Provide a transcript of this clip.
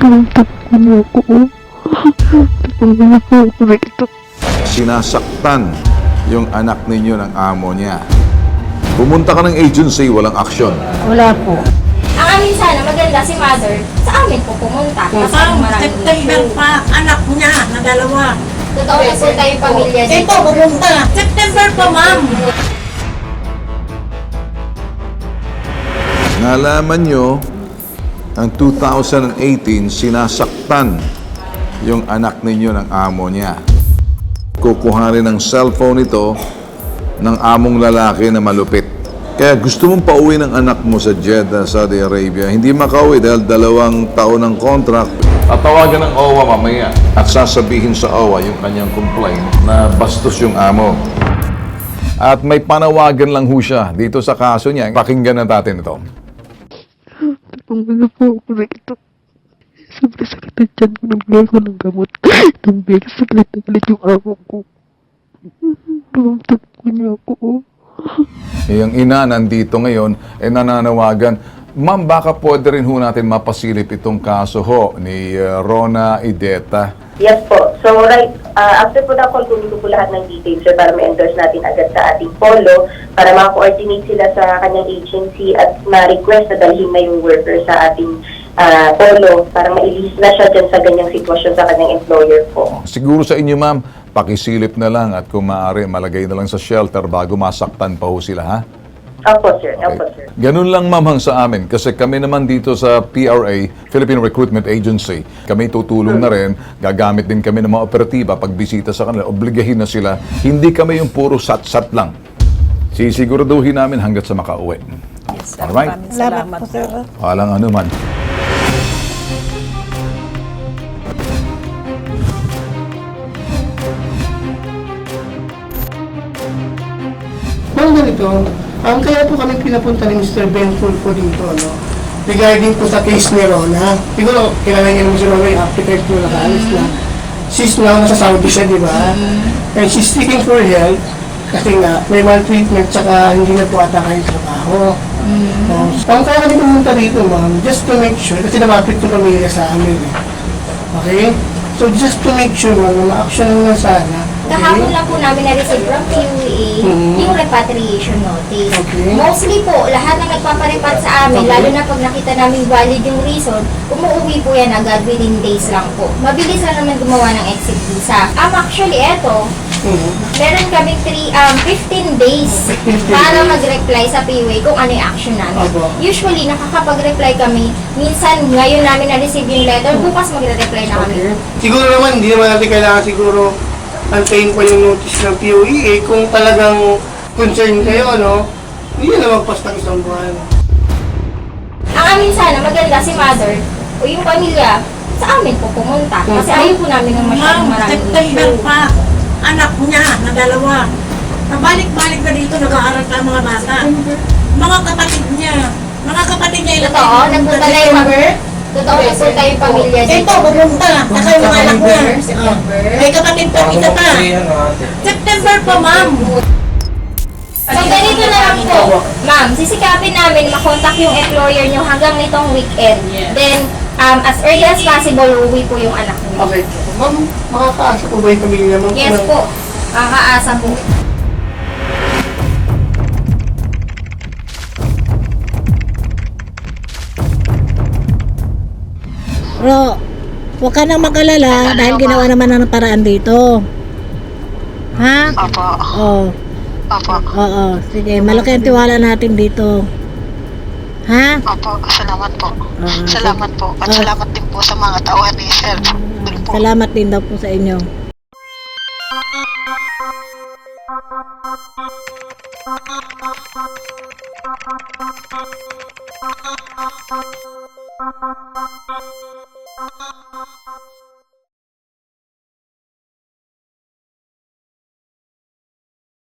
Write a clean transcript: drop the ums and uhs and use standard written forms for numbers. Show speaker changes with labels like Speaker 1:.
Speaker 1: Tapos niyo ako. Tapos niyo ako dito.
Speaker 2: Sinasaktan yung anak ninyo ng amo niya. Pumunta ka ng agency, walang aksyon.
Speaker 1: Wala po.
Speaker 3: Ang amin sana, maganda si mother, sa amin po pumunta. Kasi maraming
Speaker 4: September
Speaker 3: issue.
Speaker 4: pa, anak niya na dalawa.
Speaker 3: Totoo na po tayong pamilya dito.
Speaker 4: Ito, pumunta. September pa, ma'am.
Speaker 2: Nalaman nyo, ang 2018, sinasaktan yung anak ninyo ng amo niya. Kukuhanin ng cellphone ito ng among lalaki na malupit. Kaya gusto mong pauwi ng anak mo sa Jeddah, Saudi Arabia. Hindi makauwi dahil 2 taon ng contract. Tatawagan ng OWA mamaya at sasabihin sa OWA yung kanyang complaint na bastos yung amo. At may panawagan lang ho siya dito sa kaso niya. Pakinggan na natin ito.
Speaker 1: Tapos niyo po ako dito. Sobrang sakit ang tiyan ko. Nabigay ko ng gamot. Nabigay ko sakit na galit yung amo ko. Tapos niyo ako.
Speaker 2: Yung ina nandito ngayon, nananawagan, Ma'am, baka pwede rin ho natin mapasilip itong kaso ho ni Rona Ideta.
Speaker 5: Yes po. So right, after po na call, kunin ko po lahat ng details sir, para ma-endorse natin agad sa ating polo para maka-coordinate sila sa kanyang agency at ma-request na dalhin na yung worker sa ating polo para ma-release na siya dyan sa ganyang sitwasyon sa kanyang employer po.
Speaker 2: Siguro sa inyo, ma'am, pakisilip na lang at kung maaari, malagay na lang sa shelter bago masaktan pa ho sila, ha?
Speaker 5: Opo sir, opo sir.
Speaker 2: Ganun lang, ma'am, hang sa amin. Kasi kami naman dito sa PRA, Philippine Recruitment Agency, kami tutulong na rin. Gagamit din kami ng mga operatiba pag bisita sa kanila. Obligahin na sila. Hindi kami yung puro sat-sat lang. Sisiguraduhin namin hanggat sa makauwi.
Speaker 4: Yes, sir.
Speaker 2: Alright.
Speaker 4: Maraming salamat po, sir.
Speaker 2: Walang ano man.
Speaker 6: Ma'am, ganito, kaya po kami pinapunta ni Mr. Ben Fulfo dito, no? Regarding po sa case ni Rona. Siguro, kilala niyo naman si Rona, yung architect mo nakaalis na. She's now nasa Saudi siya, di ba? And she's seeking for help kasi nga, may maltreatment tsaka hindi na po ata kayo trabaho. Kaya kami pumunta dito, ma'am, just to make sure, kasi namapit yung pamilya sa amin. Okay? So, just to make sure, ma'am, na ma-action na sana.
Speaker 3: Kahapon lang po namin na-receive from QA yung repatriation notice.
Speaker 6: Okay.
Speaker 3: Mostly po, lahat na nagpaparepat sa amin, lalo na pag nakita namin valid yung reason, umuwi po yan agad within days lang po. Mabilis lang naman gumawa ng exit visa. Actually, eto, meron kami 15 days para mag-reply sa PUA kung ano yung action namin.
Speaker 6: Opo.
Speaker 3: Usually, nakakapag-reply kami. Minsan, ngayon namin na-receive yung letter, bukas magre-reply na kami.
Speaker 6: Okay. Siguro naman, hindi naman natin kailangan siguro antayin pa yung notice ng POEA kung talagang concern kayo, ano, hindi na magpasta isang buwan.
Speaker 3: Ang amin sana, maganda si mother o yung pamilya sa amin po pumunta. Kasi ayaw po namin ng masyadong
Speaker 4: Ma'am,
Speaker 3: maraming
Speaker 4: September
Speaker 3: issue.
Speaker 4: pa, anak niya na dalawa. Nabalik-balik na dito, nag-aaral pa ang mga bata. Mga kapatid niya ilang
Speaker 3: Totoo, nagpunta na yung Totoo, nagpunta yung pamilya dito.
Speaker 4: Ito, pupunta. Kasi yung anak niya.
Speaker 3: September.
Speaker 4: May kapatid pa, isa pa. September pa, ma'am.
Speaker 3: So, ganito na lang po. Ma'am, sisikapin namin makontak yung employer nyo hanggang nitong weekend. Then, as early as possible, uwi po yung anak niyo.
Speaker 6: Okay. Ma'am, makakaasa po ba yung pamilya mo?
Speaker 3: Yes po. Kakaasa po.
Speaker 7: Ro, huwag ka nang mag-alala dahil ginawa naman ng paraan dito. Ha?
Speaker 8: Opo.
Speaker 7: Oo.
Speaker 8: Opo.
Speaker 7: Oo. Sige, malaki ang tiwala natin dito. Ha?
Speaker 8: Opo. Salamat po.
Speaker 7: Oo.
Speaker 8: Salamat po. At salamat din po sa mga tauhan ni Sir. Doon po.
Speaker 7: Salamat din daw po sa inyo.